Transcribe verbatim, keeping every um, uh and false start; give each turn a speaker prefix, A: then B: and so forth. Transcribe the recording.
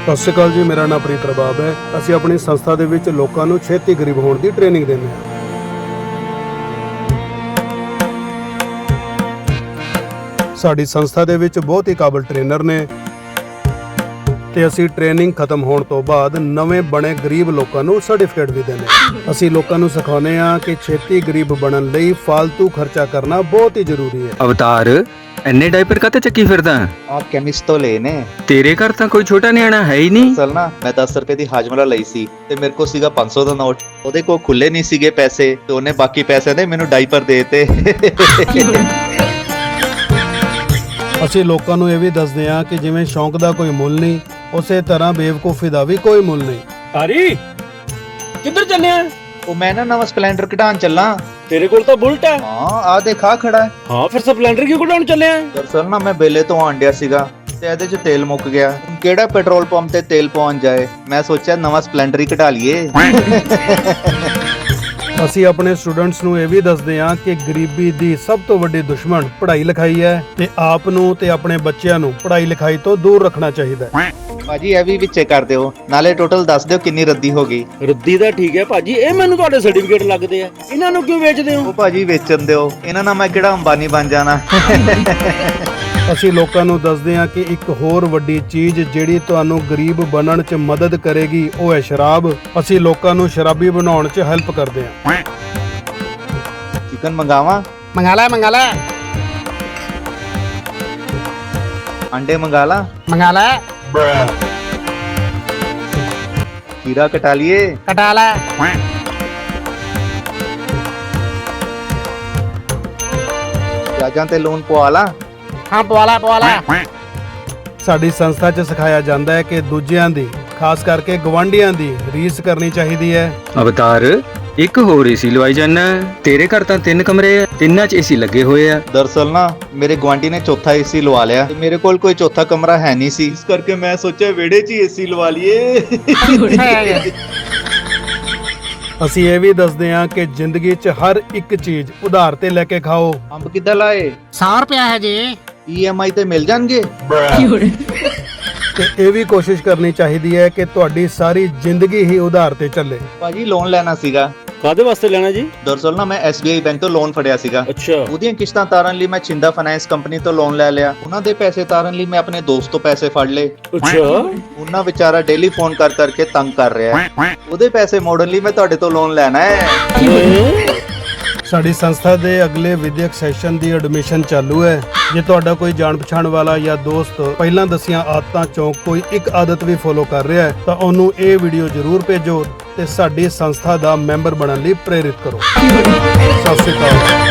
A: ਸਤਿ ਸ਼੍ਰੀ ਅਕਾਲ ਜੀ, ਮੇਰਾ ਨਾਮ ਪ੍ਰੀਤ ਰਬਾਬ ਹੈ। ਅਸੀਂ ਆਪਣੀ ਸੰਸਥਾ ਦੇ ਵਿੱਚ ਲੋਕਾਂ ਨੂੰ ਛੇਤੀ ਗਰੀਬ ਹੋਣ ਦੀ ਟ੍ਰੇਨਿੰਗ ਦਿੰਦੇ ਹਾਂ। ਸਾਡੀ ਸੰਸਥਾ ਦੇ ਵਿੱਚ ਬਹੁਤ ਹੀ ਕਾਬਲ ਟ੍ਰੇਨਰ ਨੇ ਤੇ ਅਸੀਂ ਟ੍ਰੇਨਿੰਗ ਖਤਮ ਹੋਣ ਤੋਂ ਬਾਅਦ ਨਵੇਂ ਬਣੇ ਗਰੀਬ ਲੋਕਾਂ ਨੂੰ ਸਰਟੀਫਿਕੇਟ ਵੀ ਦਿੰਦੇ ਹਾਂ। ਅਸੀਂ ਲੋਕਾਂ ਨੂੰ ਸਿਖਾਉਂਦੇ ਹਾਂ ਕਿ ਛੇਤੀ ਗਰੀਬ ਬਣਨ ਲਈ ਫालतू ਖਰਚਾ ਕਰਨਾ ਬਹੁਤ ਹੀ ਜ਼ਰੂਰੀ ਹੈ।
B: ਅਵਤਾਰ ਇੰਨੇ ਡਾਈਪਰ ਕਾਤੇ ਚੱਕੀ ਫਿਰਦਾ?
C: ਆ ਕੈਮਿਸਟ ਤੋਂ ਲਏ ਨੇ।
B: ਤੇਰੇ ਘਰ ਤਾਂ ਕੋਈ ਛੋਟਾ ਨਿਆਣਾ ਹੈ ਹੀ ਨਹੀਂ।
C: ਅਸਲ ਨਾ ਮੈਂ ਦਸ ਰੁਪਏ ਦੀ ਹਾਜਮਲਾ ਲਈ ਸੀ ਤੇ ਮੇਰੇ ਕੋਲ ਸੀਗਾ ਪੰਜ ਸੌ ਦਾ ਨੋਟ। ਉਹਦੇ ਕੋਲ ਖੁੱਲੇ ਨਹੀਂ ਸੀਗੇ ਪੈਸੇ ਤੇ ਉਹਨੇ ਬਾਕੀ ਪੈਸੇ ਦੇ ਮੈਨੂੰ ਡਾਈਪਰ ਦੇਤੇ।
A: ਅਸੀਂ ਲੋਕਾਂ ਨੂੰ ਇਹ ਵੀ ਦੱਸਦੇ ਹਾਂ ਕਿ ਜਿਵੇਂ ਸ਼ੌਂਕ ਦਾ ਕੋਈ ਮੁੱਲ ਨਹੀਂ, ਉਸੇ ਤਰ੍ਹਾਂ ਬੇਵਕੂਫੀ ਦਾ ਵੀ ਕੋਈ ਮੁੱਲ ਨਹੀਂ।
D: ਤਾਰੀ ਕਿੱਧਰ ਚੱਲੇ ਆ?
C: ਉਹ ਮੈਂ ਨਾ ਨਵਾਂ ਸਪਲੈਂਡਰ ਕਢਾਉਣ ਚੱਲਾਂ।
D: ਤੇਰੇ ਕੋਲ ਤਾਂ ਬੁਲਟ ਹੈ।
C: ਹਾਂ ਆ ਦੇਖਾ ਖੜਾ ਹੈ।
D: ਹਾਂ ਫਿਰ ਸਪਲੈਂਡਰ ਕਿਉਂ ਕਢਾਉਣ ਚੱਲੇ ਆ?
C: ਦਰਅਸਲ ਨਾ ਮੈਂ ਬੇਲੇ ਤੋਂ ਆਂਡਿਆ ਸੀਗਾ ਤੇ ਇਹਦੇ 'ਚ ਤੇਲ ਮੁੱਕ ਗਿਆ। ਹੁਣ ਕਿਹੜਾ ਪੈਟਰੋਲ ਪੰਪ ਤੇ ਤੇਲ ਪਹੁੰਚ ਜਾਏ, ਮੈਂ ਸੋਚਿਆ ਨਵਾਂ ਸਪਲੈਂਡਰ ਹੀ ਕਢਾ ਲਈਏ।
A: ਅਸੀਂ ਆਪਣੇ ਸਟੂਡੈਂਟਸ ਨੂੰ ਇਹ ਵੀ ਦੱਸਦੇ ਹਾਂ ਕਿ ਗਰੀਬੀ ਦੀ ਸਭ ਤੋਂ ਵੱਡੀ ਦੁਸ਼ਮਣ ਪੜ੍ਹਾਈ ਲਿਖਾਈ ਹੈ ਤੇ ਆਪ ਨੂੰ ਤੇ ਆਪਣੇ ਬੱਚਿਆਂ ਨੂੰ ਪੜ੍ਹਾਈ ਲਿਖਾਈ ਤੋਂ ਦੂਰ ਰੱਖਣਾ ਚਾਹੀਦਾ ਹੈ।
C: ਭਾਜੀ ਇਹ ਵੀ ਵਿੱਚੇ ਕਰ ਦਿਓ, ਨਾਲੇ ਟੋਟਲ ਦੱਸ ਦਿਓ ਕਿੰਨੀ ਰੱਦੀ ਹੋ ਗਈ।
D: ਰੱਦੀ ਦਾ ਠੀਕ ਹੈ ਭਾਜੀ, ਇਹ ਮੈਨੂੰ ਤੁਹਾਡੇ ਸਰਟੀਫਿਕੇਟ ਲੱਗਦੇ ਆ। ਇਹਨਾਂ ਨੂੰ ਕਿਉਂ ਵੇਚਦੇ ਹੋ?
C: ਉਹ ਭਾਜੀ ਵੇਚਣ ਦਿਓ, ਇਹਨਾਂ ਨਾਲ ਮੈਂ ਕਿਹੜਾ ਅੰਬਾਨੀ ਬਣ ਜਾਣਾ।
A: ਅਸੀਂ ਲੋਕਾਂ ਨੂੰ ਦੱਸਦੇ ਹਾਂ ਕਿ ਇੱਕ ਹੋਰ ਵੱਡੀ ਚੀਜ਼ ਜਿਹੜੀ ਤੁਹਾਨੂੰ ਗਰੀਬ ਬਣਨ 'ਚ ਮਦਦ ਕਰੇਗੀ ਉਹ ਹੈ ਸ਼ਰਾਬ। ਅਸੀਂ ਲੋਕਾਂ ਨੂੰ ਸ਼ਰਾਬੀ ਬਣਾਉਣ 'ਚ ਹੈਲਪ ਕਰਦੇ ਹਾਂ।
C: ਚਿਕਨ ਮੰਗਾਵਾਂ?
E: मंगा ला मंगा ला
C: अंडे मंगा ला?
E: मंगा ला
C: खीरा कटा लिए?
E: कटा ला
C: प्याजां ते लून पवा ला?
E: हाँ पवाला पवाला।
A: ਸਾਡੀ ਸੰਸਥਾ 'ਚ ਸਿਖਾਇਆ ਜਾਂਦਾ ਹੈ ਕਿ ਦੂਜਿਆਂ ਦੀ, ਖਾਸ ਕਰਕੇ ਗਵਾਂਢੀਆਂ ਦੀ ਰੀਸ ਕਰਨੀ ਚਾਹੀਦੀ ਹੈ।
B: ਅਵਤਾਰ ਇੱਕ ਹੋਰ ਏਸੀ ਲਵਾਈ ਜਾਨਾ। ਤੇਰੇ ਘਰ ਤਾਂ ਤਿੰਨ ਕਮਰੇ ਆ, ਤਿੰਨਾਂ 'ਚ ਏਸੀ ਲੱਗੇ ਹੋਏ ਆ।
C: ਦਰਅਸਲ ਨਾ ਮੇਰੇ ਗੁਆਂਢੀ ਨੇ ਚੌਥਾ ਏਸੀ ਲਵਾ ਲਿਆ ਤੇ ਮੇਰੇ ਕੋਲ ਕੋਈ ਚੌਥਾ ਕਮਰਾ ਹੈ ਨਹੀਂ ਸੀ, ਇਸ ਕਰਕੇ ਮੈਂ ਸੋਚਿਆ ਵਿਹੜੇ 'ਚ ਹੀ ਏਸੀ ਲਵਾ ਲਈਏ।
A: ਅਸੀਂ ਇਹ ਵੀ ਦੱਸਦੇ ਹਾਂ ਕਿ ਜ਼ਿੰਦਗੀ 'ਚ ਹਰ ਇੱਕ ਚੀਜ਼ ਉਧਾਰ ਤੇ ਲੈ ਕੇ ਖਾਓ।
C: ਅੰਬ ਕਿੱਦਾਂ ਲਾਏ?
E: सौ रुपया है जी।
C: ਈ ਐਮ ਆਈ ਤੇ ਮਿਲ ਜਾਣਗੇ?
A: ਤੇ ਇਹ ਵੀ ਕੋਸ਼ਿਸ਼ ਕਰਨੀ ਚਾਹੀਦੀ ਹੈ ਕਿ ਤੁਹਾਡੀ ਸਾਰੀ ਜ਼ਿੰਦਗੀ ਹੀ ਉਧਾਰ ਤੇ ਚੱਲੇ।
C: ਭਾਜੀ ਲੋਨ ਲੈਣਾ ਸੀਗਾ।
D: ਕਾਦੇ ਵਾਸਤੇ ਲੈਣਾ ਜੀ?
C: ਦਰਅਸਲ ਨਾ ਮੈਂ ਐਸ ਬੀ ਆਈ ਬੈਂਕ ਤੋਂ ਲੋਨ ਫੜਿਆ ਸੀਗਾ।
D: ਅੱਛਾ।
C: ਉਹਦੀਆਂ ਕਿਸ਼ਤਾਂ ਤਾਰਨ ਲਈ ਮੈਂ ਛਿੰਦਾ ਫਾਈਨੈਂਸ ਕੰਪਨੀ ਤੋਂ ਲੋਨ ਲੈ ਲਿਆ। ਉਹਨਾਂ ਦੇ ਪੈਸੇ ਤਾਰਨ ਲਈ ਮੈਂ ਆਪਣੇ ਦੋਸਤ ਤੋਂ ਪੈਸੇ ਫੜ ਲਏ।
D: ਅੱਛਾ।
C: ਉਹਨਾਂ ਵਿਚਾਰਾ ਡੇਲੀ ਫੋਨ ਕਰ ਕਰਕੇ ਤੰਗ ਕਰ ਰਿਹਾ ਹੈ। ਉਹਦੇ ਪੈਸੇ ਮੋੜਨ ਲਈ ਮੈਂ ਤੁਹਾਡੇ ਤੋਂ ਲੋਨ ਲੈਣਾ ਹੈ।
A: ਸਾਡੀ ਸੰਸਥਾ ਦੇ ਅਗਲੇ ਵਿਦਿਅਕ ਸੈਸ਼ਨ ਦੀ ਐਡਮਿਸ਼ਨ ਚਾਲੂ ਹੈ। ਜੇ ਤੁਹਾਡਾ ਕੋਈ ਜਾਣ ਪਛਾਣ ਵਾਲਾ ਜਾਂ ਦੋਸਤ ਪਹਿਲਾਂ ਦੱਸੀਆਂ ਆਦਤਾਂ ਚੋਂ ਕੋਈ ਇੱਕ ਆਦਤ ਵੀ ਫੋਲੋ ਕਰ ਰਿਹਾ ਹੈ ਤਾਂ ਉਹਨੂੰ ਇਹ ਵੀਡੀਓ ਜ਼ਰੂਰ ਭੇਜੋ ਤੇ ਸਾਡੀ ਸੰਸਥਾ ਦਾ ਮੈਂਬਰ ਬਣਨ ਲਈ ਪ੍ਰੇਰਿਤ ਕਰੋ। ਸਤਿ ਸ਼੍ਰੀ ਅਕਾਲ।